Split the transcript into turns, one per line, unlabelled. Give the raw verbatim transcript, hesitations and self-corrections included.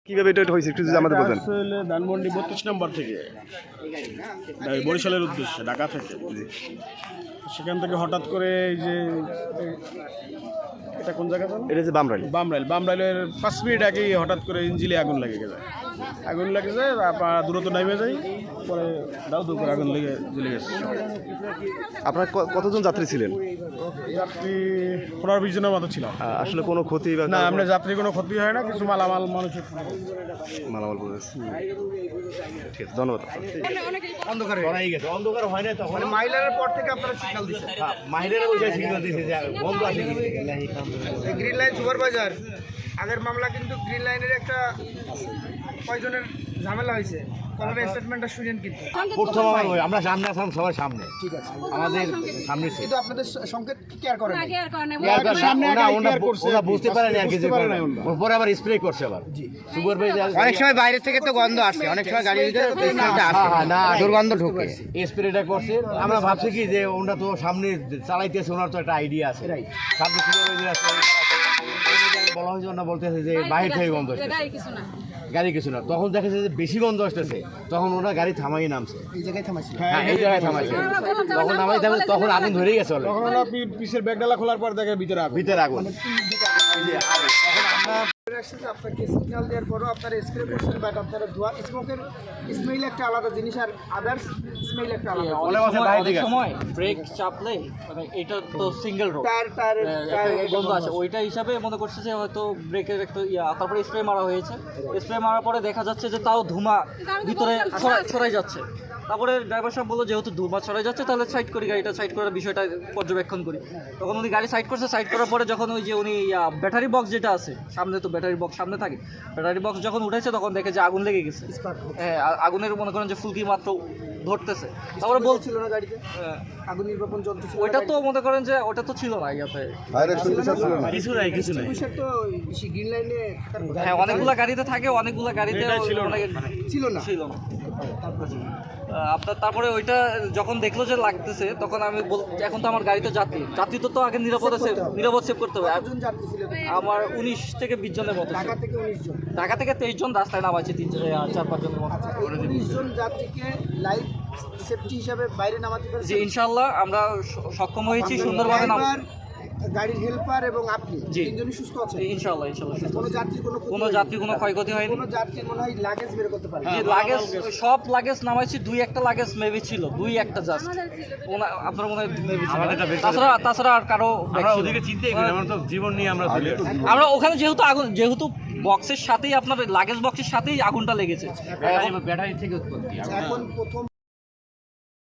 কিভাবে এটা হয়েছে একটু যদি আমাদের বলেন।
আসলে ধানমন্ডি বত্রিশ নম্বর থেকে বরিশালের উদ্দেশ্যে ঢাকা থেকে সেখান থেকে হঠাৎ করে এই যে এটা কোন জায়গা
এটা যে বামরাইল
বামরাইল বামরাইলের পাঁচ মিনিট আগেই হঠাৎ করে ইঞ্জিলে আগুন লেগে গেছে আগুন লেগে যায় আপনার দূরত্ব নামে যাই পরে দাও দু করে আগুন লেগে জ্বলে গেছে।
আপনার ক- কতজন যাত্রী ছিলেন?
যাত্রী পনেরো বিশ জনের মতো ছিল।
আহ, আসলে কোনো ক্ষতি বা
না আমরা যাত্রী কোনো ক্ষতি হয় না, কিছু মালামাল মানুষের
মালামাল পড়েছে। ঠিক আছে, ধন্যবাদ।
অন্ধকারে হয়ে গেছে, অন্ধকার হয় না তখন
মাইলারের পর থেকে আপনারা সিগন্যাল দিচ্ছেন,
মাহিরের ওই সিগন্যাল দিয়েছে যে বন্ধ আছে কি
গ্রিন লাইন সুপারভাইজার আগের মামলা কিন্তু গ্রিন লাইনের একটা কয়জনের ঝামেলা হয়েছে, কলারের স্টেটমেন্টটা শুনেন কিন্তু
প্রথম আমার ওই, আমরা সামনে আসলাম সবার সামনে,
ঠিক আছে,
আমাদের সামনে ছিল।
কিন্তু আপনাদের সংকেত কেয়ার করেন না।
ইয়ার সামনে ওরা ওরা বুঝতে পারেনি আর কিছু করে না, পরে আবার স্প্রে করছে আবার সুপারভাইজার।
অনেক সময় বাইরে থেকে তো গন্ধ আসে, অনেক সময় গাড়ির ভিতরে স্মেলটা আসে,
হ্যাঁ, না
দুর্গন্ধ ঢোকে।
স্প্রেটা করছে, আমরা ভাবছি কি যে ওনারা তো সামনে চালাইতেছে, ওনার তো একটা আইডিয়া আছে, সামনে সুপারভাইজার আছে, বলা হয়েছে ওনারা বলতেছে যে বাইরে থেকে গন্ধ আসছে, গাড়ি কিছু না। তখন দেখেছে যে বেশি গন্ধ আসতেছে, তখন ওরা গাড়ি থামাই নামছে,
এই জায়গায় থামাইছিল।
হ্যাঁ এই জায়গায় থামাইছে, তখন নামাই থামে তখন আগুন ধরেই গেছে অলরেডি।
তখন ওরা পিসের ব্যাগডালা খোলার পর দেখে ভিতরে আগুন।
ভিতরে আগুন, এই যে আগুন। তখন আমরা
আপনাকে সিগন্যাল দেওয়ার পরও আপনারা স্প্রে করছেন, বাট আপনারা ধোয়া স্মোকের স্মেল একটা আলাদা জিনিস আর আদার্স স্মেল একটা আলাদা।
অনেক সময় বাইরে থেকে আসে।
সময় ব্রেক চাপলে মানে এটা তো সিঙ্গেল রোড
টায়ার টায়ার
গন্ধ আছে, ওইটা হিসাবে মনে করছে যে হয়তো ব্রেকের একটা ইয়া, তারপরে স্প্রে মারা হয়েছে। স্প্রে মারার পরে দেখা যাচ্ছে যে তাও ধুমা ভিতরে ছড়াই- ছড়াই যাচ্ছে। তারপরে ড্রাইভার সাহেব বললো যেহেতু ধুমা ছড়াই যাচ্ছে তাহলে সাইড করি, গাড়িটা সাইড করার বিষয়টা পর্যবেক্ষণ করি। তখন উনি গাড়ি সাইড করছে, সাইড করার পরে যখন ওই যে উনি ব্যাটারি বক্স যেটা আছে সামনে, তো ব্যাটারি বক্স সামনে থাকে, ব্যাটারি বক্স যখন উঠেছে তখন দেখে যে আগুন লেগে গেছে। হ্যাঁ, আ- আগুনের মনে করেন যে ফুলকি মাত্র ধরতেছে। তারপরে বলছিল
ছিল না গাড়িতে,
হ্যাঁ,
আগুন নির্বাপন যন্ত্র ছিল।
ওইটা তো মনে করেন যে ওটা তো ছিল না ইয়াতে।
কিছু নাই কিছু নাই
পুলিশের তো গ্রিন লাইনে
হ্যাঁ, অনেকগুলা গাড়িতে থাকে, অনেকগুলা গাড়িতে অনেক
ছিল না।
ছিল না। আহ, আপনার তারপরে ওইটা যখন দেখলো যে লাগতেছে তখন আমি বল, এখন তো আমার গাড়িতে যাত্রী যাত্রী তো তো আগে নিরাপদে সেভ নিরাপদ সেভ করতে হবে। আর
কতজন যাত্রী ছিল?
আমার উনিশ থেকে বিশ জনের মতো ছিল।
ঢাকা থেকে উনিশ জন।
ঢাকা থেকে তেইশ জন, রাস্তায় নামাইছে তিন আহ, চার পাঁচ জনের মতো।
আচ্ছা, এই উনিশ জন যাত্রীকে লাইফ সেফটি হিসাবে বাইরে নামাতে
যে
পেরেছেন?
ইনশাল্লাহ আমরা স- সক্ষম হয়েছি সুন্দরভাবে নাম।
ড্রাইভার, গাড়ির হেল্পার এবং আপনি
জি।
তিনজনই সুস্থ আছেন?
ইনশাল্লাহ ইনশাল্লাহ সুস্থ।
কোনো যাত্রীর কোনো ক্ষতি
কোনো
হয়নি?
যাত্রী কোনো ক্ষয়ক্ষতি হয়নি।
কোনো যাত্রীর মনে হয় লাগেজ বের করতে পারে
যে লাগেজ সব লাগেজ নামাইছি, দুই একটা লাগেজ মেবি ছিল, দুই একটা জাস্ট আপনার মনে হয় মেবি ছিল। তাছাড়া তাছাড়া আর কারো bag
আমরা
ছিল না।
ওদিকে চিন্তাই করি, আমরা তো জীবন নিয়ে আমরা চলে আসি।
আমরা ওখানে যেহেতু আগুন যেহেতু বক্সের সাথেই আপনার লাগেজ বক্সের সাথেই আগুনটা লেগেছে।
ব্যাটারি থেকে উৎপত্তি।
এখন প্রথম